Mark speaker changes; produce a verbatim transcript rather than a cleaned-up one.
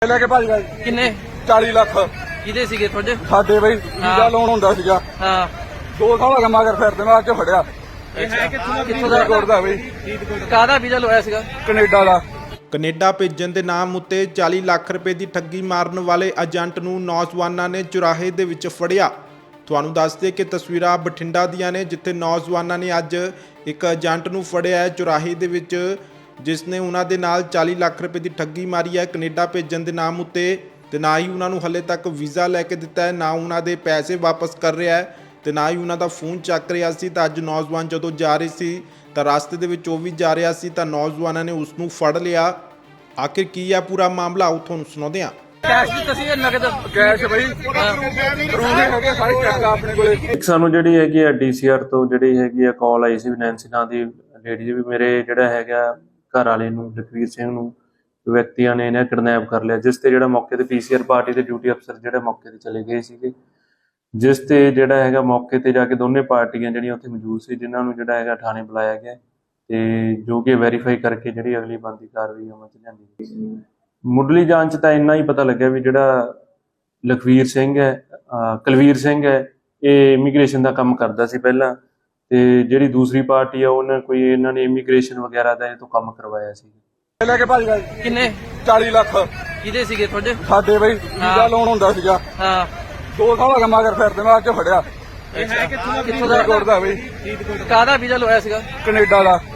Speaker 1: लेके भाज गए
Speaker 2: किन्ने
Speaker 1: चाली लाख
Speaker 2: किदे सीगे थोड़े
Speaker 1: साडे बई वीजा लोन हुंदा सीगा
Speaker 2: हाँ
Speaker 1: दो साल हो गए मगर फिरदे मैं अज फड़िया
Speaker 2: कित्थों दा
Speaker 1: फरीदकोट दा बई
Speaker 2: काहदा वीजा लवाया सीगा
Speaker 1: कनेडा दा
Speaker 3: ਕੈਨੇਡਾ ਭੇਜਣ ਦੇ ਨਾਮ ਉੱਤੇ ਚਾਲੀ ਲੱਖ ਰੁਪਏ ਦੀ ਠੱਗੀ ਮਾਰਨ ਵਾਲੇ ਏਜੰਟ ਨੂੰ ਨੌਜਵਾਨਾਂ ਨੇ ਚੁਰਾਹੇ ਦੇ ਵਿੱਚ ਫੜਿਆ। ਤੁਹਾਨੂੰ ਦੱਸ ਦੇ ਕਿ ਤਸਵੀਰਾਂ ਬਠਿੰਡਾ ਦੀਆਂ ਨੇ, ਜਿੱਥੇ ਨੌਜਵਾਨਾਂ ਨੇ ਅੱਜ ਇੱਕ ਏਜੰਟ ਨੂੰ ਫੜਿਆ ਹੈ ਚੁਰਾਹੇ ਦੇ ਵਿੱਚ, ਜਿਸ ਨੇ ਉਹਨਾਂ ਦੇ ਨਾਲ ਚਾਲੀ ਲੱਖ ਰੁਪਏ ਦੀ ਠੱਗੀ ਮਾਰੀ ਹੈ ਕੈਨੇਡਾ ਭੇਜਣ ਦੇ ਨਾਮ ਉੱਤੇ, ਤੇ ਨਾ ਹੀ ਉਹਨਾਂ ਨੂੰ ਹਲੇ ਤੱਕ ਵੀਜ਼ਾ ਲੈ ਕੇ ਦਿੱਤਾ ਹੈ, ਨਾ ਉਹਨਾਂ ਦੇ ਪੈਸੇ ਵਾਪਸ ਕਰ ਰਿਹਾ ਹੈ, ਤੇ ਨਾ ਹੀ ਉਹਨਾਂ ਦਾ ਫੋਨ ਚੱਕ ਰਿਹਾ ਸੀ। ਤਾਂ ਅੱਜ ਨੌਜਵਾਨ ਜਦੋਂ ਜਾ ਰਹੇ ਸੀ ਤਾਂ ਰਸਤੇ ਦੇ ਵਿੱਚ ਉਹ ਵੀ ਜਾ ਰਿਹਾ ਸੀ ਤਾਂ ਨੌਜਵਾਨਾਂ ਨੇ ਉਸ ਨੂੰ ਫੜ ਲਿਆ। ਆਖਿਰ ਕੀ ਹੈ ਪੂਰਾ ਮਾਮਲਾ, ਉਹ ਤੁਹਾਨੂੰ ਸੁਣਾਉਂਦੇ ਹਾਂ।
Speaker 2: कैश दित्ता सीगा नगद
Speaker 1: कैश बई प्रूफ है सारे चेक अपने कोले।
Speaker 4: ਇੱਕ ਸਾਨੂੰ ਜਿਹੜੀ ਹੈਗੀ ਆ ਡੀਸੀਆਰ ਤੋਂ ਜਿਹੜੀ ਹੈਗੀ ਆ ਕਾਲ ਆਈ ਸੀ ਵੀ ਨੈਂਸੀ ਨਾਂ ਦੀ ਲੇਡੀ ਜੀ ਵੀ ਮੇਰੇ ਜਿਹੜਾ ਹੈਗਾ ਘਰ ਵਾਲੇ ਨੂੰ ਜਗਵੀਰ ਸਿੰਘ ਨੂੰ ਵਿਅਕਤੀਆਂ ਨੇ ਇਹਨੇ ਕਿਡਨੈਪ ਕਰ ਲਿਆ, ਜਿਸ ਤੇ ਜਿਹੜਾ ਮੌਕੇ ਤੇ ਪੀਸੀਆਰ ਪਾਰਟੀ ਦੇ ਡਿਊਟੀ ਅਫਸਰ ਜਿਹੜੇ ਮੌਕੇ ਤੇ ਚਲੇ ਗਏ ਸੀਗੇ, ਜਿਸ ਤੇ ਜਿਹੜਾ ਹੈਗਾ ਮੌਕੇ ਤੇ ਜਾ ਕੇ ਦੋਨੇ ਪਾਰਟੀਆਂ ਜਿਹੜੀਆਂ ਉੱਥੇ ਮੌਜੂਦ ਸੀ, ਜਿਨ੍ਹਾਂ ਨੂੰ ਜਿਹੜਾ ਹੈਗਾ ਥਾਣੇ ਬੁਲਾਇਆ ਗਿਆ ਤੇ ਜੋ ਕਿ ਵੈਰੀਫਾਈ ਕਰਕੇ ਜਿਹੜੀ ਅਗਲੀ ਬਣਦੀ ਕਾਰਵਾਈ ਅਮਲ ਚ ਲਿਆਂਦੀ ਗਈ। ਮੁੱਢਲੀ ਜਾਂਚ ਤਾਂ ਇੰਨਾ ਹੀ ਪਤਾ ਲੱਗਿਆ ਵੀ ਜਿਹੜਾ ਲਖਵੀਰ ਸਿੰਘ ਹੈ ਕੁਲਵੀਰ ਸਿੰਘ ਹੈ ਇਹ ਇਮੀਗ੍ਰੇਸ਼ਨ ਦਾ ਕੰਮ ਕਰਦਾ ਸੀ ਪਹਿਲਾਂ, ਤੇ ਜਿਹੜੀ ਦੂਸਰੀ ਪਾਰਟੀ ਆ ਉਹਨਾਂ ਕੋਈ ਇਹਨਾਂ ਨੇ ਇਮੀਗ੍ਰੇਸ਼ਨ ਵਗੈਰਾ ਦਾ ਇਹ ਤੋਂ ਕੰਮ ਕਰਵਾਇਆ ਸੀ।
Speaker 1: लेके भाज गए
Speaker 2: किन्ने
Speaker 1: चाली लाख
Speaker 2: किदे सीगे थोड़े
Speaker 1: साडे बई वीजा लोन हुंदा सीगा
Speaker 2: हाँ
Speaker 1: दो साल हो गए मगर फिरदे मैं अज फड़िया
Speaker 2: कित्थों दा
Speaker 1: फरीदकोट दा बई
Speaker 2: काहदा वीजा लवाया सीगा
Speaker 1: कनेडा दा